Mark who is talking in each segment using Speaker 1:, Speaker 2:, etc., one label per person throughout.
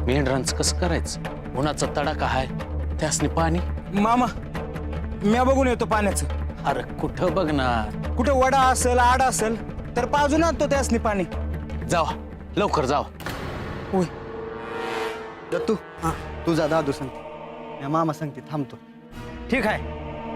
Speaker 1: मेंढरांचं कसं करायचं? उन्हाचा तडाखा हाय, त्यासनी पाणी.
Speaker 2: मामा म्या बघून येतो पाण्याचं.
Speaker 1: अरे कुठं बघणार?
Speaker 2: कुठे वडा असेल आडा असेल तर पाजून आणतो त्यासनी पाणी.
Speaker 1: जावा लवकर जावा.
Speaker 2: होय.
Speaker 3: दत्तू तुझा दादू सांगते या मामा सांगते थांबतो.
Speaker 2: ठीक आहे.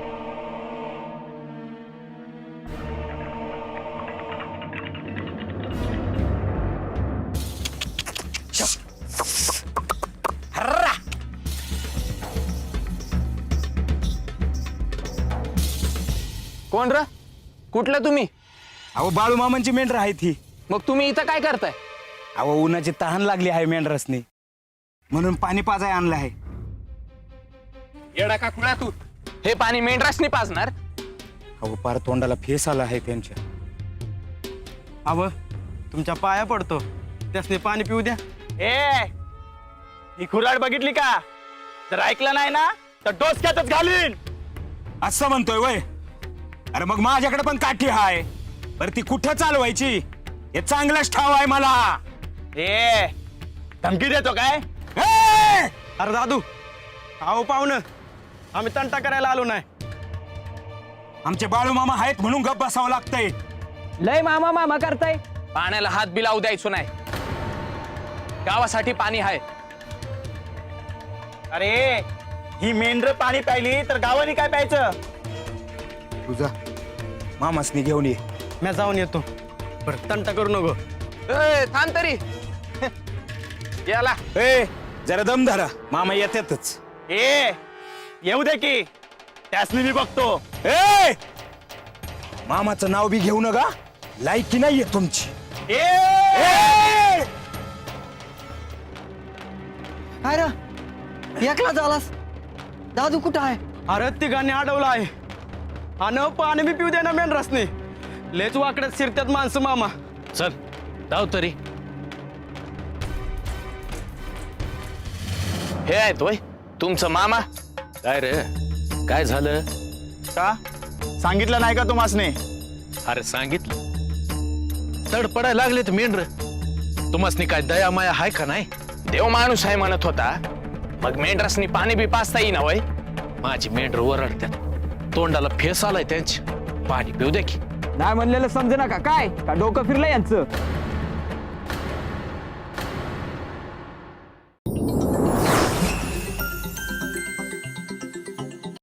Speaker 1: कोण र? कुठलं तुम्ही?
Speaker 2: अहो बाळू मामांची मेंढर आहे ती.
Speaker 1: मग तुम्ही इथं काय करताय?
Speaker 2: अहो उन्हाची तहान लागली आहे मेंढरसनी म्हणून पाणी पाजाय आणलं आहे.
Speaker 1: येडा का खुळा तू? हे पाणी मेंढरासनी पाजणार?
Speaker 2: अहो पार तोंडाला फेस आला आहे त्यांच्या.
Speaker 3: अव तुमच्या पाया पडतो त्यासने पाणी पिऊ द्या.
Speaker 4: ए ही खुराड बघितली का? जर ऐकलं नाही ना तर डोसक्यातच घालीन.
Speaker 2: असं म्हणतोय वय? अरे मग माझ्याकडे पण काठी हाय, बरं ती कुठं चालवायची हे चांगलंच ठाव आहे मला.
Speaker 4: ए धमकी देतो काय?
Speaker 2: ए!
Speaker 3: अरे दादू अहो पाहुणं आम्ही तंटा करायला आलो नाही.
Speaker 2: आमचे बाळू मामा आहेत म्हणून गप बसावं लागतंय.
Speaker 1: लय मामा मामा करताय. पाण्याला हात बी लावू द्यायचो नाही. गावासाठी पाणी आहे.
Speaker 4: अरे ही मेंढर पाणी प्यायली तर गावाने काय प्यायचं?
Speaker 2: तुझा मामासनी घेऊन ये.
Speaker 3: मी जाऊन येतो. बरं तंटा करू नको.
Speaker 1: थांब तरी. याला
Speaker 2: ए जरा दम धरा, मामा येतातच.
Speaker 4: ए येऊ दे की त्यासनी मी बघतो.
Speaker 2: ए मामाचं नाव बी घेऊ नका, लायकी नाहीये तुमची.
Speaker 4: ए
Speaker 2: ए!
Speaker 3: काय रे एकला झालास? दादू कुठं आहे? अरे तिघांनी अडवलं आहे आणि पाणी बी पिऊ दे ना मेंढरासनी. लेच वाकड्यात शिरत्यात माणसं मामा.
Speaker 1: चल जाऊ तरी. हे आहेत होय तुमचं मामा? काय रे काय झालं?
Speaker 4: का सांगितलं नाही का तुम्हासने?
Speaker 1: अरे सांगितलं. तडपडायला लागले तर मेंढर. तुम्हासनी काय दया माया हाय का नाही? देव माणूस आहे म्हणत होता, मग मेंढरासनी पाणी बी पाचता येईना वय? माझी मेंढर ओरडत्यात, तोंडाला फेस आलाय त्यांची. पाणी पिऊ दे की.
Speaker 5: नाही म्हणलेलं समजे ना का काय? का डोकं फिरलं यांचं?